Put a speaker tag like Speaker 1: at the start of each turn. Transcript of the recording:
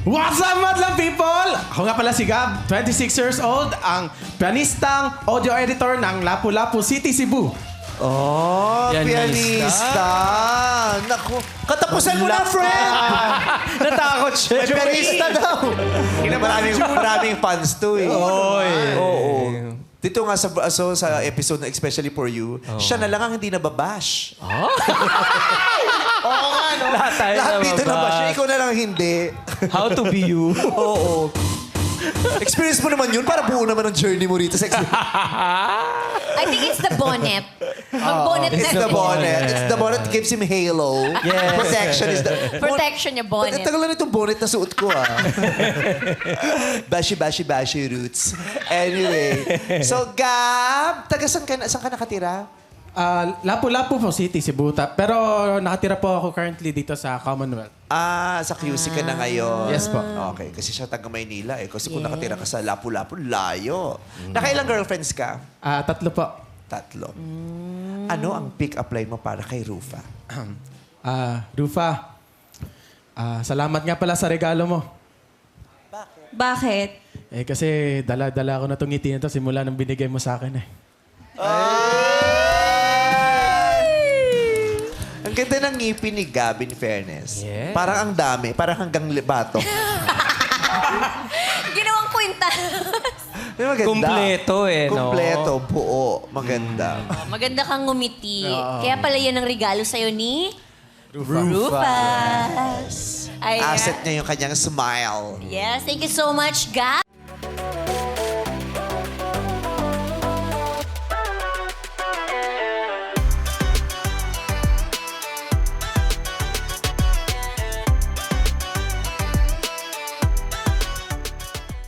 Speaker 1: What's up, madlang people? Ako nga pala si Gab, 26 years old, ang pianistang audio editor ng Lapu-Lapu City, Cebu.
Speaker 2: Oh, pianista. Naku, katapusan mo na, friend!
Speaker 3: Natakot siya.
Speaker 2: May pianista daw. Maraming fans to eh. Oo. Dito nga sa episode na Especially For You, siya na lang ang hindi nababash. Oo nga, no? Lahat dito nabash. Ikaw na lang hindi.
Speaker 3: How to be you.
Speaker 2: Oo. Experience mo naman yun para buo naman ang journey mo rito sa
Speaker 4: I think it's the bonnet. Mag-bonnet
Speaker 2: It's the bonnet. It's the bonnet that gives him halo.
Speaker 3: Yes.
Speaker 2: Protection is the...
Speaker 4: Protection niya, bonnet.
Speaker 2: Tagal na itong bonnet na suot ko, ah. Bashi roots. Anyway. So, Gab, saan ka nakatira?
Speaker 1: Lapu-Lapu po City, Cebu. Pero nakatira po ako currently dito sa Commonwealth.
Speaker 2: Sa QC ka na ngayon.
Speaker 1: Yes po.
Speaker 2: Okay, kasi siya taga Maynila eh. Kasi kung nakatira ka sa Lapu-Lapu, layo. Nakailang girlfriends ka?
Speaker 1: 3 po.
Speaker 2: 3. Ano ang pick-up line mo para kay Rufa?
Speaker 1: Rufa, salamat nga pala sa regalo mo.
Speaker 4: Bakit?
Speaker 1: Kasi dala-dala ko na itong ngiti na ito simula nang binigay mo sa akin eh.
Speaker 2: Ang ganda ng ngipin ni Gab, in fairness.
Speaker 3: Yeah.
Speaker 2: Parang ang dami. Parang hanggang bato.
Speaker 4: Ginawang kwenta.
Speaker 2: Maganda.
Speaker 3: Kumpleto eh, no?
Speaker 2: Kumpleto, buo. Maganda.
Speaker 4: Maganda kang ngumiti. Kaya pala yan ang regalo sa'yo ni... Rufus. Ay,
Speaker 2: Asset niya yung kanyang smile.
Speaker 4: yes, thank you so much, Gab.